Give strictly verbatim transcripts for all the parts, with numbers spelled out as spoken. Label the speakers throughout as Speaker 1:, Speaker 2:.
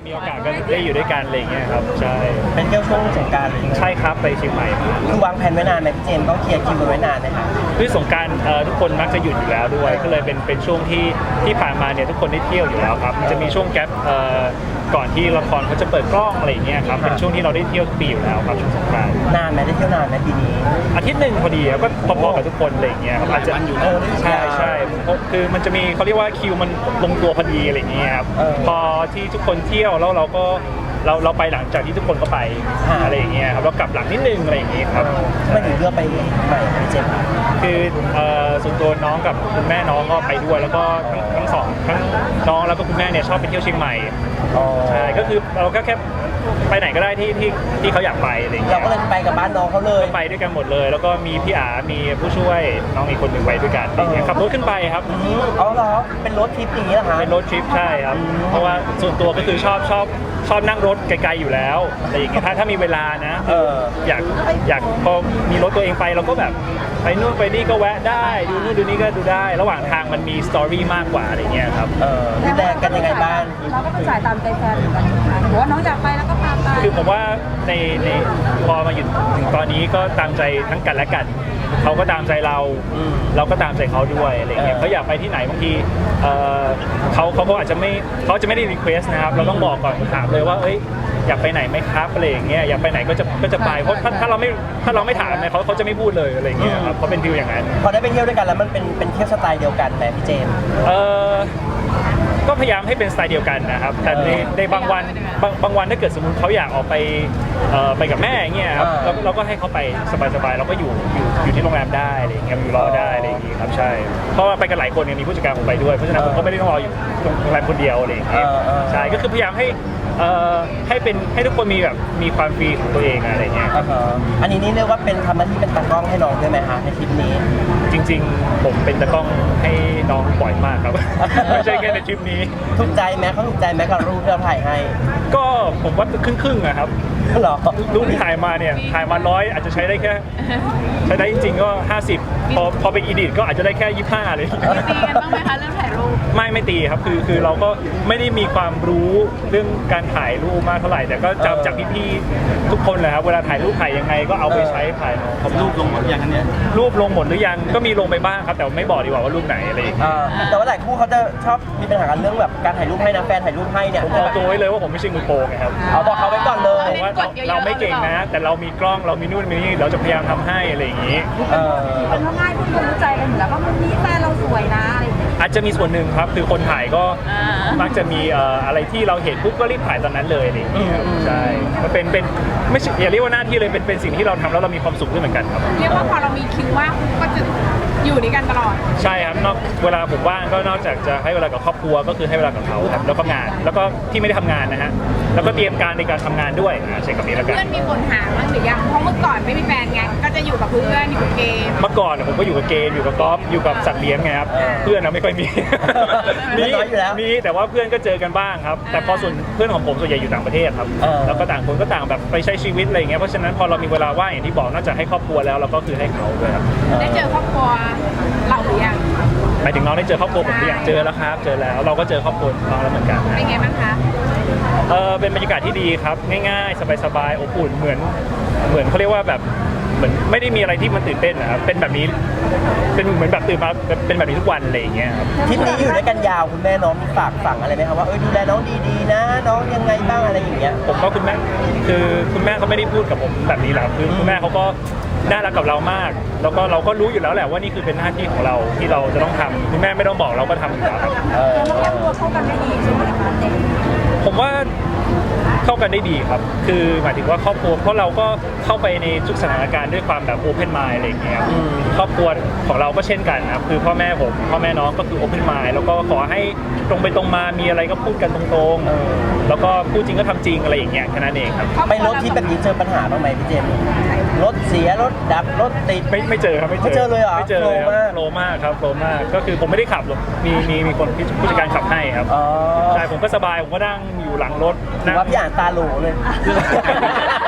Speaker 1: มีโอกาสก็ได้อยู่ด้วยกันอะไรอย่างเงี้ยครับใช่
Speaker 2: เป็นเที่ยวช่วงสงกรานต์
Speaker 1: ใช่ครับไปเชียงใหม่
Speaker 2: คือวางแผนไว้นานไหมพี่เจมส์ต้องเคลียร์คิวกันไว้นานไหมคะ
Speaker 1: คือสงกรานต์ทุกคนมักจะหยุดอยู่แล้วด้วยก็เลยเป็นเป็นช่วงที่ที่ผ่านมาเนี่ยทุกคนได้เที่ยวอยู่แล้วครับมันจะมีช่วงแกปก่อนที่ละครเขาจะเปิดกล้องอะไรอย่างเงี้ยครับเป็นช่วงที่เราได้เที่ยวทุกปีอยู่แล้วครับช่วงสงกรานต์
Speaker 2: นานไหมได้เที่ยวนานไหมปีนี้
Speaker 1: อาทิตย์หนึ่งพอดีครับก็พอๆกับทุกคนอะไรอย่างเงี้ยครับอาจจะใช่ใช่คือมันจะมีเขาเรียกว่าคิวมันลงตัวพอดีอะไรอย่างเงี้ยครับพอที่ทุกคนเที่ยวแล้วเราก็เราเราไปหลังจากที่ทุกคนก็ไปอะไรอย่างเงี้ยครับเรากลับหลังนิดนึงอะไรอย่างเงี้ยครับ
Speaker 2: ไม่ถึงเลือกไปใหม่พี่เจมส์
Speaker 1: คือส่วนตัวน้องกับคุณแม่น้องก็ไปด้วยแล้วก็ทั้งทั้งสองทั้งน้องแล้วก็คุณแม่เนี่ยชอบไปเที่ยวเชียงใหม่ใช่ก็คือเราก็แค่ไปไหนก็ได้ที่ที่ที่เขาอยากไปอะไรอย่างเงี้ย
Speaker 2: เราก็เลยไปกับบ้านน้องเขาเลย
Speaker 1: ไปด้วยกันหมดเลยแล้วก็มีพี่อามีผู้ช่วยน้องอีกคนหนึ่งไปด้วยกันขับรถขึ้นไปครับ
Speaker 2: อ๋อเหรอเป็นรถทริปอย่างนี้เหรอคะ
Speaker 1: เป็นรถทริปใช่ครับเพราะว่าส่วนตัวก็คือชอบชอบชอบนั่งรถไกลๆอยู่แล้วอะไรอย่างเงี้ยถ้าถ้ามีเวลานะอยากอยากพอมีรถตัวเองไปเราก็แบบไปนู่นไปนี่ก็แวะได้ดูนู่นดูนี่ก็ดูได้ระหว่างทางมันมีสตอรี่มากกว่าอะไรเงี้ยครับ
Speaker 2: เออดูแลกันยังไงบ้าง
Speaker 3: เราก็ต้องจ่ายตามใจแฟนเหมือนกันหรือว่าน้องอยากไปแล้วก็พาไป
Speaker 1: คือผมว่าในในพอมาอยู่ถึงตอนนี้ก็ตามใจทั้งกันและกันเขาก็ตามใจเราเราก็ตามใจเขาด้วยอะไรเงี้ยเขาอยากไปที่ไหนบางทีเขาเขาก็อาจจะไม่เขาจะไม่ได้รีเควสนะครับเราต้องบอกก่อนถามเลยว่าเอ้ยอยากไปไหนไหมครับอะไรอย่างเงี้ยอยากไปไหนก็จะก็จะไปเพราะถ้าถ้าเราไม่ถ้าเราไม่ถามเนี่ยเขาเขาจะไม่พูดเลยอะไรเงี้ยครับเขาเป็นฟิลอย่างนั้น
Speaker 2: พอได้ไปเที่ยวด้วยกันแล้วมันเป็นเป็นเที่ยวสไตล์เดียวกันไหมพี่เจมส์
Speaker 1: เออก็พยายามให้เป็นสไตล์เดียวกันนะครับแต่ในในบางวันบางบางวันถ้าเกิดสมมติเขาอยากออกไปไปกับแม่อย่างเงี้ยครับเราเราก็ให้เขาไปสบายๆเราก็อยู่อยู่อยู่ที่โรงแรมได้อะไรอย่างเงี้ยอยู่รอได้อะไรอย่างเงี้ยครับใช่เพราะว่าไปกันหลายคนเนี่ยมีผู้จัดการผมไปด้วยเพราะฉะนั้นผมก็ไม่ได้ต้องรออยู่โรงแรมคนเดียวอะไรอย่างเงี้ยใช่ก็คือพยายามให้ให้เป็นให้ทุกคนมีแบบมีความฟรีของตัวเองอะไรเงี้ย
Speaker 2: อันนี้นี่เรียกว่าเป็นทำหน้าที่เป็นตากล้องให้น้องใช่ไหมคะในทริปนี้
Speaker 1: จริงๆผมเป็นตากล้องให้น้องบ่อยมากครับไม่ใช่แค่ในทริปนี้
Speaker 2: ถูกใจไหมเขาถูกใจไหมกับรูปที่เราถ่ายให้
Speaker 1: ก็ผมว่าครึ่งๆอะครับ
Speaker 2: หรอ
Speaker 1: รูปที่ถ่ายมาเนี่ยถ่ายมาร้อยอาจจะใช้ได้แค่ใช้ได้จริงๆก็ห้าสิบพอพอไปอีดิทก็อาจจะได้แค่ยี่สิบห้าเลย
Speaker 3: ตีกันบ้างไหมคะเรื่องถ่ายรูป
Speaker 1: ไม่ไม่ตีครับคือคือเราก็ไม่ได้มีความรู้เรื่องการถ่ายรูปมากเท่าไหร่แต่ก็จำจากพี่ๆทุกคนเลยครับเวลาถ่ายรูปถ่ายยังไงก็เอาไปใช้ถ่ายน้อง
Speaker 4: รูปลงหมดยังอันเนี้ย
Speaker 1: รูปลงหมดหรือยังก็มีลงไปบ้างครับแต่ไม่บอกดีกว่าว่ารูปไหนอะไร
Speaker 2: แต่ว่าหลายคู่เขาจะชอบมีปัญหากันเรื่องแบบการถ่ายรูปให้นะแฟนถ่ายรูปให้เนี่ย
Speaker 1: ผมบอกตัวไว้เลยว่าผมไม่ใช่มือโปรไงครับ
Speaker 2: เอาบอกเขาไว้ก่อนเลย
Speaker 1: ว่าเราไม่เก่งนะแต่เรามีกล้องเรามีนู่นมีนี่เราจะพยายามทำให้อะไรอย่างนี้
Speaker 3: เป็นเพราะง่ายพูดรู้ใจกันอยู่แล้วก็มันนี้แฟนเราสวยนะอะไรอย่างเงี้ย
Speaker 1: อาจจะมีส่วนหนึ่งครับคือคนถ่ายก็มักจะมีอะไรที่เราเห็นปุ๊บก็รีบถ่ายตอนนั้นเลยอะไรอย่างนี้ครับใช่ก็เป็นเป็นไม่อย่าเรียกว่าหน้าที่เลยเป็นเป็นสิ่งที่เราทำแล้วเรามีความสุขด้วยเหมือนกันครับ
Speaker 3: เรียกว่าพอเรามีคิวว่างก็จะอยู่ด้วยกันตลอด
Speaker 1: ใช่ครับนอกเวลาผมว่างก็นอกจากจะให้เวลากับครอบครัวก็คือให้เวลากับเขาครับแล้วก็งานแล้วก็ที่ไม่ได้ทำงานนะฮะแล้วก็เตรียมการในการทำงานด้วยใช่กับนี้แล้วกัน
Speaker 3: เพื่อนมีคนหาบ้างหรือยังเพราะเมื่อก่อนไม่มีแฟนไงก็จะอยู่กับเพื่อนอยู่กับเกม
Speaker 1: เมื่อก่อนผมก็อยู่กับเกมอยู่กับกอล์ฟอยู่กับสัตว์เลี้ยงไงครับเพื่อนเราไม่ค่อยมีมีมีแต่ว่าเพื่อนก็เจอกันบ้างครับแต่พอส่วนเพื่อนของผมส่วนใหญ่อยู่ต่างประเทศครับแล้วก็ต่างคนก็ต่างแบบไปใช้ชีวิตอะไรอย่างเงี้ยเพราะฉะนั้นพอเรามีเวลาว่างอย่างที่บอกนอกจากให้ครอบครัวแล้วเราก็คือให้เขาด้วยครับ
Speaker 3: ได้เจอครอบครัวเราหรือยัง
Speaker 1: หมายถึงน้องได้เจอครอบครัวผมหรือยังเจอแล้วครับเจอแล้วเราก็เจอครอบครัวน้องแล้วเหมือนกัน
Speaker 3: เป็นไงบ้างคะ
Speaker 1: เออเป็นบรรยากาศที่ดีครับง่ายๆสบายๆอบอุ่นเหมือนเหมือนเขาเรียกว่าแบบเหมือนไม่ได้มีอะไรที่มันตื่นเต้นนะครับเป็นแบบนี้เป็นเหมือนแบบตื่นมาเป็นแบบนี้ทุกวันอะไรอย่างเงี้ยครับ
Speaker 2: ทริปนี้อยู่ด้วยกันยาวคุณแม่น้องมีฝากฝังอะไรไหมครับว่าเออดูแลน้องดีๆนะน้องยังไงบ้างอะไรอย่างเงี้ย
Speaker 1: ผมก็คุณแม่คือคุณแม่เขาไม่ได้พูดกับผมแบบนี้หรอกคือคุณแม่เขาก็น่ารักกับเรามากแล้วก็เราก็รู้อยู่แล้วแหละว่านี่คือเป็นหน้าที่ของเราที่เราจะต้องทำคุณแม่ไม่ต้องบอกเราก็ทำอยู่แล้วครับ
Speaker 3: แล้วครอบครัวเข้ากันได้ดีใช่ไหมคะเจม
Speaker 1: ผมว่าเข้ากันได้ดีครับคือหมายถึงว่าครอบครัวเพราะเราก็เข้าไปในทุกสถานการณ์ด้วยความแบบโอเพนไมล์อะไรอย่างเงี้ยครอบครัวของเราก็เช่นกันครับคือพ่อแม่ผมพ่อแม่น้องก็คือโอเพนไมล์แล้วก็ขอให้ตรงไปตรงมามีอะไรก็พูดกันตรงๆแล้วก็พูดจริงก็ทำจริงอะไรอย่างเงี้ยแค่นั้นเองครับ
Speaker 2: ไปรถที่แบบนี้เจอปัญหาบ้างไหมพี่เจมส์รถเสียรถดับรถติด
Speaker 1: ไม่ไม่เจอครับ
Speaker 2: ไม่เจอเลยเหรอ
Speaker 1: ไม่เจอเลยโลมากครับโลมากก็คือผมไม่ได้ขับหรอกมีมีมีคนผู้จัดการขับให้ครับใช่ผมก็สบายผมก็นั่งอยู่หลังรถ
Speaker 2: ว่าพี่อ่านตาโหลเลย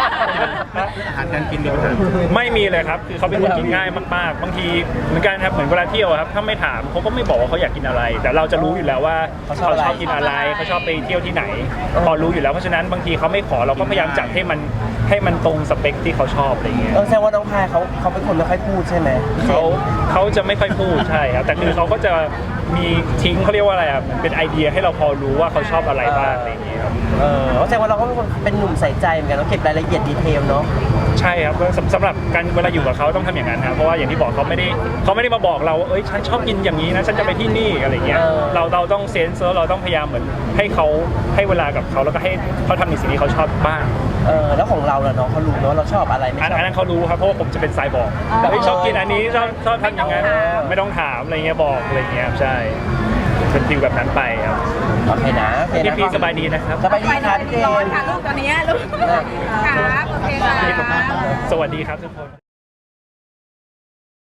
Speaker 4: อาหารการกินมีปัญหา
Speaker 1: ไม่มีเลยครับคือเขาเป็นคนกินง่ายมากๆบางทีเหมือนกันครับเหมือนเวลาเที่ยวอะครับถ้าไม่ถามเขาก็ไม่บอกว่าเขาอยากกินอะไร แต่เราจะรู้อยู่แล้วว่า
Speaker 2: เขาช
Speaker 1: เขา
Speaker 2: อบอะไร
Speaker 1: ชอบกินอะไรเขาชอบไปเที่ยวที่ไหน พอรู้อยู่แล้วเพราะฉะนั้นบางทีเขาไม่ขอเราก็พยายามจัดให้มันให้มันตรงสเปคที่เขาชอบอะไรเงี้ย
Speaker 2: เออแสดงว่าน้องพายเขาเขาเป็นคนไม่ค่อยพูดใช่ไหม
Speaker 1: เขาเขาจะไม่ค่อยพูดใช่ครับแต่คือเขาก็จะมีทิ้งเขาเรียกว่าอะไรอ่ะเหมือนเป็นไอเดียให้เราพอรู้ว่าเขาชอบอะไรบ้างอะไรอย่างเงี้ยครับ
Speaker 2: เออแสดงว่าเราก็เป็นคนเป็นหนุ่มใส่ใจเหมือนกันเราเก็บรายละเอียดดีเทลเนาะ
Speaker 1: ใช่ครับสำสำหรับการเวลาอยู่กับเขาต้องทำอย่างนั้นครับเพราะว่าอย่างที่บอกเขาไม่ได้เขาไม่ได้มาบอกเราว่าเอ้ยฉันชอบกินอย่างนี้นะฉันจะไปที่นี่อะไรเงี้ย
Speaker 2: เออ
Speaker 1: เราเราต้องเซนส์เราต้องพยายามเหมือนให้เขาให้เวลากับเขาแล้วก็ให้เขาทำในสิ่งที่เขาชอบบ้าง
Speaker 2: เออแล้วของเราล่ะน้องเขารู้เนาะเราชอบอะไรไม่
Speaker 1: อัน
Speaker 2: ชอบ
Speaker 1: อันนั้นเขารู้ครับเพราะว่าผมจะเป็นสายบอกเฮ้ยชอบกินอันนี้ชอบชอบทำอย่างนั้นไม่ต้องถามอะไรเงี้ยบอกอะไรเงี้ยครับใช่เป็นฟิลแบบนั้นไปครับ
Speaker 2: โอเคนะโอเค
Speaker 1: พี่
Speaker 2: นะ
Speaker 1: พีสบายดีนะครับ
Speaker 2: สบายดีครับพี่เจ
Speaker 3: ร้อน
Speaker 2: มส์
Speaker 3: ค่ะลูกตอนนี้ลูกครับโอเคค่ะ
Speaker 1: สวัสดีครับทุกคน